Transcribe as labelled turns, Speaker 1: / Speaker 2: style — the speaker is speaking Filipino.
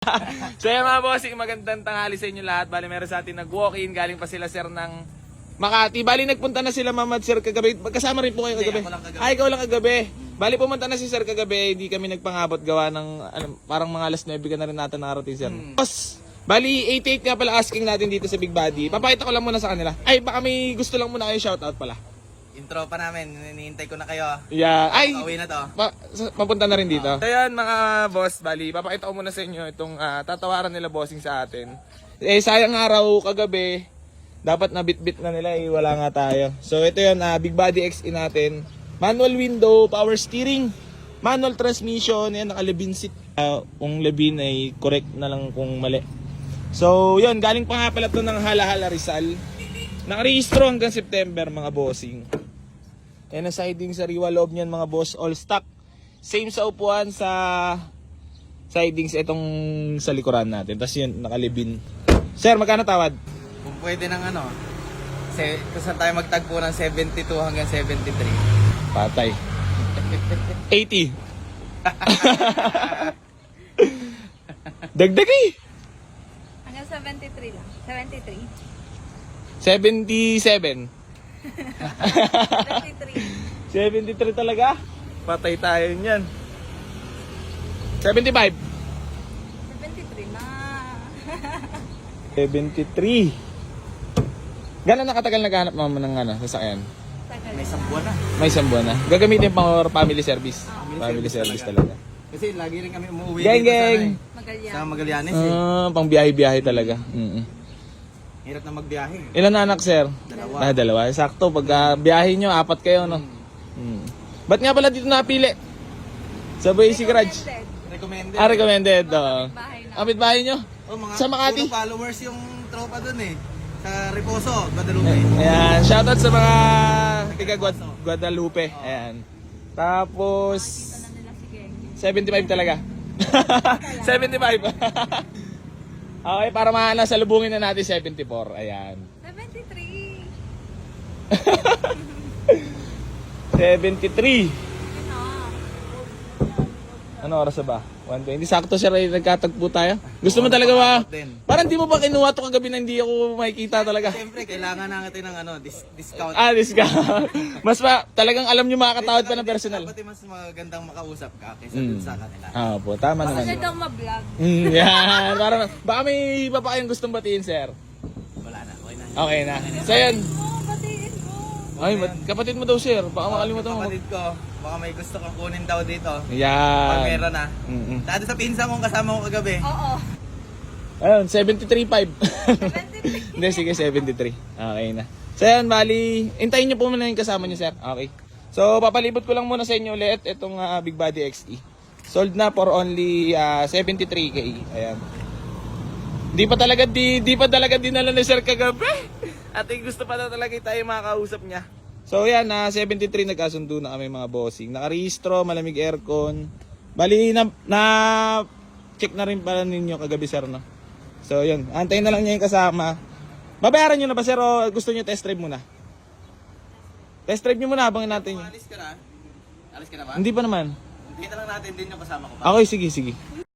Speaker 1: So yan mga bossing, magandang tanghali sa inyo lahat. Bali meron sa atin nag-walk-in, galing pa sila sir ng Makati. Bali nagpunta na sila Mamad sir kagabi. Kasama rin po kayo kagabi. Ay, ikaw lang kagabi. Bali pumunta na si sir kagabi, hindi kami nagpangabot gawa ng parang mga alas 9 ka na rin natin nakarating sir. Boss, bali 88 nga pala asking natin dito sa Big Body. Papakita ko lang muna sa kanila. Ay, baka may gusto lang muna kayo shoutout pala.
Speaker 2: Intro pa namin, hinihintay ko na kayo.
Speaker 1: Yeah, ay,
Speaker 2: Pauwi na to.
Speaker 1: Mapunta na rin dito. So yan mga boss, bali, papakita ko muna sa inyo itong tatawaran nila bossing sa atin. Eh sayang araw kagabi, dapat nabitbit na nila eh, wala nga tayo. So ito yun, Big Body XE natin. Manual window, power steering, manual transmission, yan naka-Levin seat. Kung Levin ay correct na lang kung mali. So yun, galing pa nga pala ito ng Hala-Hala Rizal. Nakarehistro hanggang September mga bossing. Yan ang siding sa riwa loob niyan mga boss, all stock. Same sa upuan sa sidings itong sa likuran natin. Tapos yun, nakalibin. Sir, magkano tawad?
Speaker 2: Kung pwede ng ano, kung saan tayo magtagpo ng 72 hanggang 73.
Speaker 1: Patay. 80. Dagdag eh.
Speaker 3: Hanggang 73 lang. 73.
Speaker 1: 77.
Speaker 3: 73.
Speaker 1: 73 talaga? Patay tayo niyan. 75.
Speaker 3: 73 na.
Speaker 1: 73. Gano'n nakatagal naghahanap mama ng sasakyan?
Speaker 3: Tagal.
Speaker 2: May isang buwan na.
Speaker 1: May isang buwan na. Gagamitin pang family service. Family service talaga.
Speaker 2: Kasi lagi rin kami umuwi
Speaker 1: Gang,
Speaker 2: dito
Speaker 1: gang.
Speaker 3: Magalyang.
Speaker 2: sa Magallanes eh.
Speaker 1: Pang biyahe-biyahe talaga.
Speaker 2: Hirap na magbiyahe.
Speaker 1: Ilan na anak, sir?
Speaker 2: Dalawa.
Speaker 1: Dalawa. Sakto. Pag biyahe nyo, 4 kayo, no? Ba't nga pala dito napili? Sa Boise Garage.
Speaker 3: Recommended.
Speaker 2: Recommended.
Speaker 1: Recommended.
Speaker 3: Bahay na.
Speaker 1: Kapit bahay nyo?
Speaker 2: Oh, mga
Speaker 1: Sa Makati.
Speaker 2: puro followers yung tropa dun eh. Sa Reposo, Guadalupe.
Speaker 1: Ayan. Shoutout sa mga tiga Guadalupe. Ayan. Tapos,
Speaker 3: Nakita na nila si Geng.
Speaker 1: 75 talaga. 75. Okay, para salubungin na natin 74. Ayan.
Speaker 3: 73.
Speaker 1: 73.
Speaker 3: Ano?
Speaker 1: Ano oras na ba? 1:20. Sakto siya rin nagkatagpo tayo. Gusto mo talaga ba? Parang di mo ba kinuha to kagabi na hindi ako makikita talaga?
Speaker 2: Siyempre, kailangan natin ng discount.
Speaker 1: Discount. Mas pa, talagang alam nyo makakatawad pa ng personal.
Speaker 2: Dapat mas magandang makausap ka kaysa dun sa kanila.
Speaker 1: Po, tama naman.
Speaker 3: Kasi daw ma-vlog.
Speaker 1: Yan. Parang, baka may iba pa kayong gustong batiin, sir.
Speaker 2: Wala na, okay na.
Speaker 1: Okay na. So yan.
Speaker 3: Batiin mo.
Speaker 1: Ay, kapatid mo daw, sir. Baka makalimutan mo.
Speaker 2: Kapatid ko, baka may gusto kang kunin daw dito. Pag
Speaker 1: Yan.
Speaker 2: meron na. Dati sa pinsan kong kasama ko kagabi.
Speaker 3: Oo.
Speaker 1: Ayun, 73.5.
Speaker 3: 73.
Speaker 1: Hindi, sige, 73. Okay na. So yan, bali, hintayin nyo po muna yung kasama nyo, sir. Okay. So, papalibot ko lang muna sa inyo ulit itong Big Body XE. Sold na for only 73k. Ayan. Di pa talaga dinala ni sir kagabi. At gusto pa na talaga tayo makakausap niya. So yan, 73 nagkasundo na kami mga bossing. Nakarehistro, malamig aircon. Bali, na check na rin pala ninyo kagabi sir, no? So yun, antayin na lang niya yung kasama. Babayaran nyo na ba sir o gusto nyo test drive muna? Test drive nyo muna habang natin yun.
Speaker 2: Alis ka na? Alis ka na ba?
Speaker 1: Hindi pa naman.
Speaker 2: Kita lang natin din yung kasama ko pa.
Speaker 1: Okay, sige.